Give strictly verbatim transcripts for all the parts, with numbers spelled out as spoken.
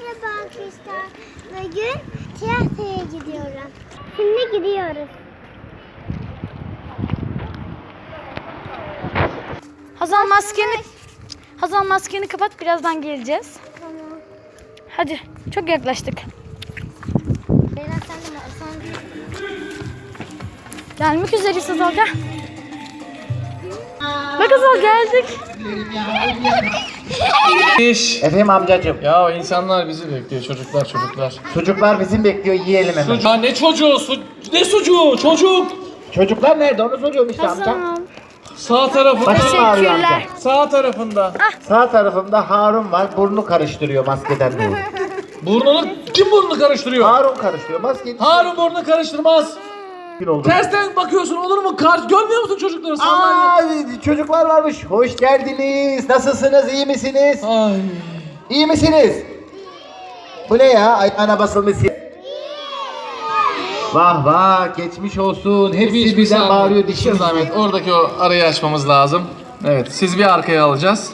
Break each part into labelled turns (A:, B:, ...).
A: Merhaba arkadaşlar. Bugün tiyatroya gidiyorum. Şimdi gidiyoruz.
B: Hazal maskeni Hazal maskeni kapat, birazdan geleceğiz.
A: Tamam.
B: Hadi, çok yaklaştık.
A: Beyler sen de sen de.
B: Gelmek üzereyiz Hazal, gel. Bak Hazal, geldik.
C: İş.
D: Efendim amcacığım.
C: Ya insanlar bizi bekliyor, çocuklar çocuklar.
D: Çocuklar bizim bekliyor, yiyelim hemen.
C: Sucu. Ya ne çocuğu? Su... Ne sucuğu? Çocuk.
D: Çocuklar nerede onu soruyorum işte amca.
B: Hazal.
C: Sağ tarafında.
D: Başım ağrıyor amca.
B: Teşekkürler.
C: Sağ tarafında.
D: Sağ tarafımda Harun var, burnu karıştırıyor maskeden dolayı.
C: Burnunu kim burnunu karıştırıyor?
D: Harun karıştırıyor, maskeyi.
C: Harun burnunu karıştırmaz.
D: Gün oldu.
C: Tersten bakıyorsun, olur mu? Kar görmüyor musun çocukları? Sandalye.
D: Aa, çocuklar varmış. Hoş geldiniz. Nasılsınız? İyi misiniz?
C: Ay.
D: İyi misiniz? Bu ne ya? Ayağına basılmış. Vah vah, geçmiş olsun. Hepsi
C: Bir
D: birden
C: zahmet,
D: bağırıyor
C: bir
D: dişimiz.
C: zahmet. Oradaki o arayı açmamız lazım. Evet, siz bir arkaya alacağız.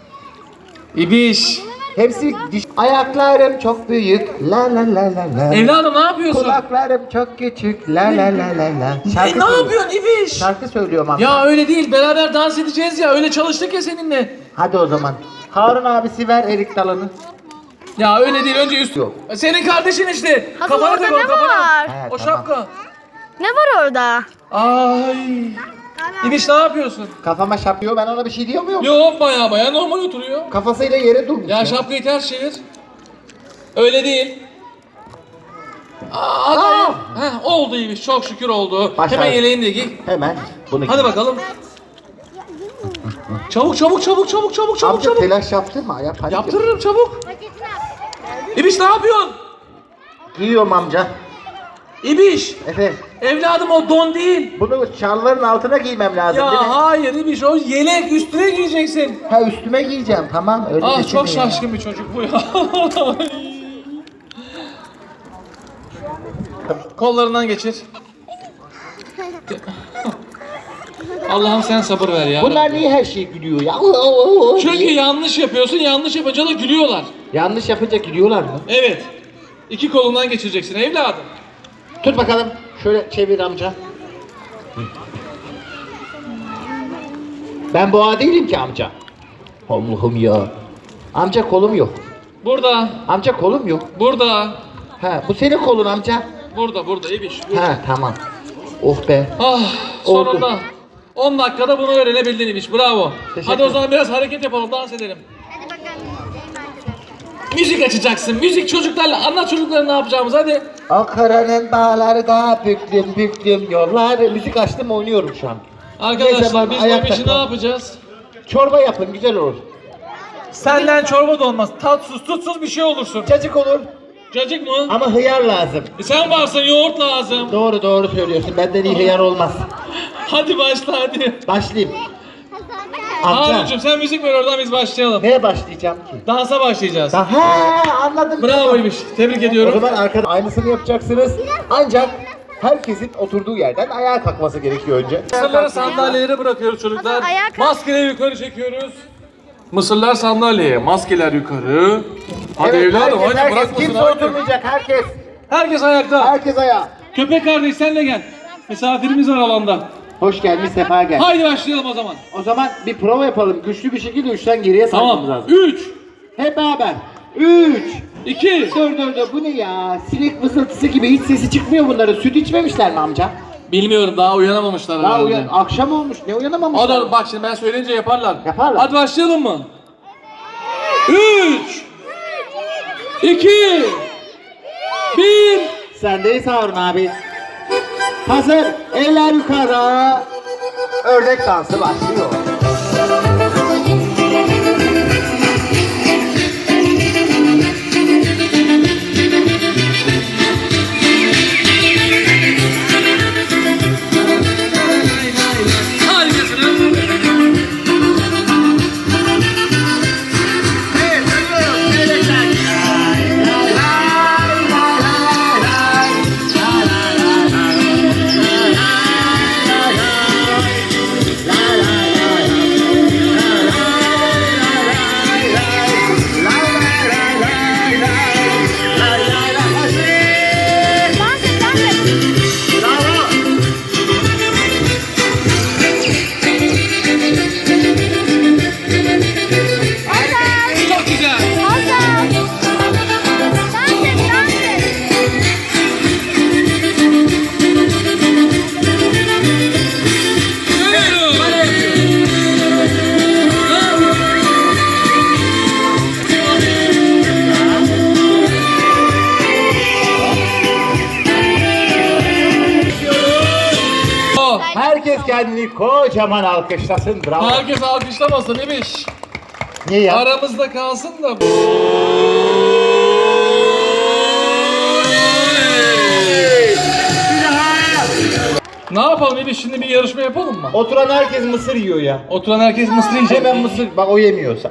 C: İbiş.
D: Hepsi diş. Ayaklarım çok büyük. La la la la la.
C: Evladım ne yapıyorsun?
D: Kulaklarım çok küçük. La la la la la.
C: E,
D: Şarkı
C: ne
D: söylüyorum.
C: yapıyorsun İbiş?
D: Şarkı söylüyorum amca.
C: Ya öyle değil, beraber dans edeceğiz ya, öyle çalıştık ya seninle.
D: Hadi o zaman. Harun abisi ver erik dalını.
C: Ya öyle değil, önce üst.
D: Yok.
C: Senin kardeşin işte.
B: Hazal,
C: Kafana
B: orada
C: tak onu,
B: ne
C: kafana.
B: var?
D: He,
C: O
D: tamam.
C: şapka.
B: Ne var orada?
C: Ay. İbiş ne yapıyorsun?
D: Kafama şapıyor, ben ona bir şey diyor muyum?
C: Yok, baya baya normal oturuyor.
D: Kafasıyla yere durmuş.
C: Ya şapkayı ters çevir. Öyle değil. Aa, hadi.
D: Aa!
C: Heh, oldu İbiş, çok şükür oldu.
D: Başar.
C: Hemen yeleğini de giy.
D: Hemen bunu
C: Hadi bakalım. Çabuk çabuk çabuk çabuk çabuk çabuk
D: Amca
C: çabuk.
D: telaş yaptırma ya. Panik
C: Yaptırırım çabuk. İbiş ne yapıyorsun?
D: Giyiyorum amca.
C: İbiş.
D: Efendim.
C: Evladım o don değil.
D: Bunu şalvarın altına giymem lazım değil mi?
C: Ya hayır İbiş, o yelek üstüne giyeceksin.
D: Ha üstüme giyeceğim, tamam öyle
C: Ah
D: düşünmeyin.
C: çok şaşkın bir çocuk bu ya. Kollarından geçir. Allah'ım sen sabır ver ya.
D: Bunlar niye her şey gülüyor ya?
C: Çünkü yanlış yapıyorsun, yanlış yapınca da gülüyorlar.
D: Yanlış yapınca gülüyorlar mı?
C: Evet. İki kolundan geçireceksin evladım.
D: Tut bakalım. Şöyle çevir amca. Ben boğa değilim ki amca. Allah'ım ya. Amca kolum yok.
C: Burada,
D: Amca kolum yok.
C: burada,
D: Ha bu senin kolun amca.
C: burada, burada İbiş. burada.
D: Ha tamam. Oh be.
C: Ah,
D: Oldu.
C: sonunda. on dakikada bunu öğrenebildin İbiş, bravo.
D: Teşekkür
C: Hadi o zaman biraz hareket yapalım, dans edelim.
A: Hadi bakalım.
C: Müzik açacaksın, müzik çocuklarla. Anlat çocuklara ne yapacağımızı, hadi.
D: Ankara'nın dağlarda büklüm büklüm yollar. Müzik açtım oynuyorum şu an. Neyse,
C: Arkadaşlar
D: ben
C: biz bu
D: ayakta
C: işi ne
D: kal.
C: yapacağız?
D: Çorba yapın güzel olur.
C: Senden çorba da olmaz. Tatsız tutsuz bir şey olursun.
D: Cacık olur
C: Cacık mı?
D: ama hıyar lazım.
C: E sen varsın, yoğurt lazım.
D: Doğru doğru söylüyorsun. Benden iyi hıyar olmaz.
C: Hadi başla hadi.
D: Başlayayım. Amca.
C: Harun'cum sen müzik ver, oradan biz başlayalım.
D: Neye başlayacağım ki?
C: Dansa başlayacağız.
D: Daha anladım.
C: Bravoymuş. Tebrik
D: O
C: ediyorum.
D: zaman arkada aynısını yapacaksınız. Ancak herkesin oturduğu yerden ayağa kalkması gerekiyor önce.
C: Mısırları sandalyelere bırakıyoruz çocuklar.
B: Hazal, ayağa kalk.
C: Maskeleri yukarı çekiyoruz. Mısırlar sandalyeye, maskeler yukarı. Hadi
D: Evet,
C: evladım
D: herkes,
C: hadi
D: herkes,
C: bırakmasın.
D: kimse
C: Hadi.
D: oturmayacak herkes.
C: Herkes ayakta.
D: Herkes ayağa.
C: Köpek kardeş sen de gel. Misafirimiz var alanda.
D: Hoş gelmiş, sefa gel.
C: Haydi başlayalım o zaman.
D: O zaman bir prova yapalım. Güçlü bir şekilde üçten geriye saymamız
C: Tamam.
D: lazım.
C: Üç,
D: Hep beraber. Üç.
C: iki.
D: Dur dur dur bu ne ya? Sinek vızıltısı gibi hiç sesi çıkmıyor bunların. Süt içmemişler mi amca?
C: Bilmiyorum, daha uyanamamışlar
D: Daha
C: herhalde.
D: uyan, akşam olmuş. Ne uyanamamışlar?
C: Hadi bak şimdi ben söyleyince yaparlar.
D: Yaparlar.
C: Hadi başlayalım mı? Üç, iki, bir.
D: Sendeyiz Harun abi. Hazır. Eller yukarı. Ördek dansı başlıyor.
C: Harikasınız.
D: kendini kocaman alkışlasın. Bravo.
C: Herkes alkışlamasın İbiş.
D: Niye ya?
C: Aramızda kalsın da. Ne yapalım İbiş, şimdi bir yarışma yapalım mı?
D: Oturan herkes mısır yiyor ya.
C: Oturan herkes mısır yiyecek.
D: Hemen mısır. Bak o yemiyor.